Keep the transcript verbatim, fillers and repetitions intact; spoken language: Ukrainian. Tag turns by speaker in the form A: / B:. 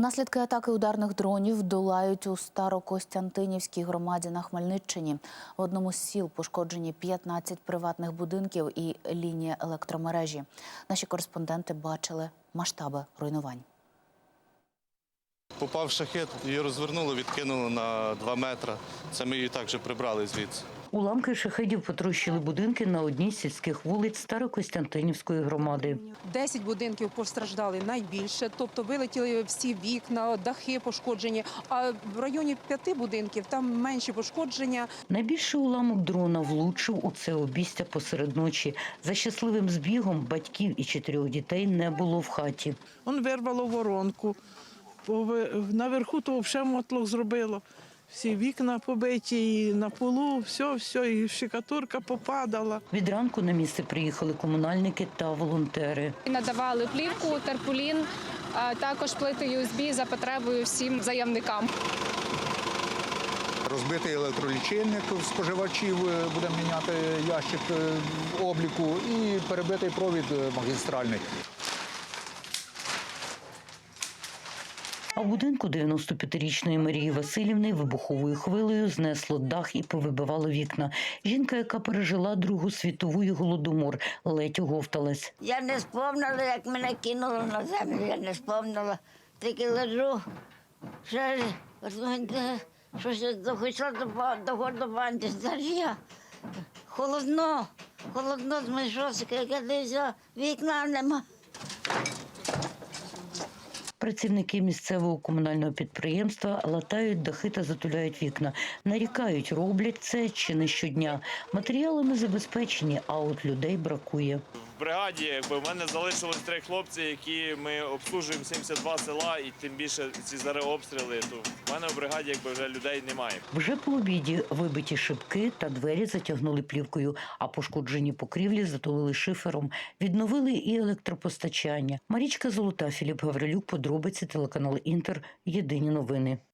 A: Наслідки атаки ударних дронів долають у Старокостянтинівській громаді на Хмельниччині. В одному з сіл пошкоджені п'ятнадцять приватних будинків і лінія електромережі. Наші кореспонденти бачили масштаби руйнувань.
B: Попав шахед, її розвернуло, відкинуло на два метри. Це ми її також прибрали звідси.
C: Уламки шахедів потрощили будинки на одній з сільських вулиць Старокостянтинівської громади.
D: Десять будинків постраждали найбільше, тобто вилетіли всі вікна, дахи пошкоджені, а в районі п'яти будинків там менші пошкодження.
C: Найбільший уламок дрона влучив у це обістя посеред ночі. За щасливим збігом батьків і чотирьох дітей не було в хаті.
E: Он вирвало воронку, наверху то взагалі мотлох зробило. Всі вікна побиті, і на полу, все, все, і штукатурка попадала.
C: Від ранку на місце приїхали комунальники та волонтери.
F: Надавали плівку, тарпулін, а також плити ю ес бі за потребою всім заявникам.
G: Розбитий електролічильник споживачів, будемо міняти ящик обліку, і перебитий провід магістральний.
C: А в будинку дев'яностоп'ятирічної Марії Василівни вибуховою хвилею знесло дах і повибивало вікна. Жінка, яка пережила Другу світову і Голодомор, ледь оговталась.
H: Я не спомнила, як мене кинуло на землю, я не спомнила. Тільки лежу, ще щось захотіла до гордобанді. Я холодно, холодно з мишосика, як я дивлюся, вікна нема.
C: Працівники місцевого комунального підприємства латають дахи та затуляють вікна. Нарікають, роблять це чи не щодня. Матеріалами забезпечені, а от людей бракує.
I: В бригаді якби, в мене залишилось три хлопці, які ми обслужуємо сімдесят два села, і тим більше ці зараз обстріли, то в мене в бригаді якби, вже людей немає.
C: Вже по обіді вибиті шибки та двері затягнули плівкою, а пошкоджені покрівлі затулили шифером. Відновили і електропостачання. Марічка Золота, Філіп Гаврилюк, подробиці, телеканал Інтер, єдині новини.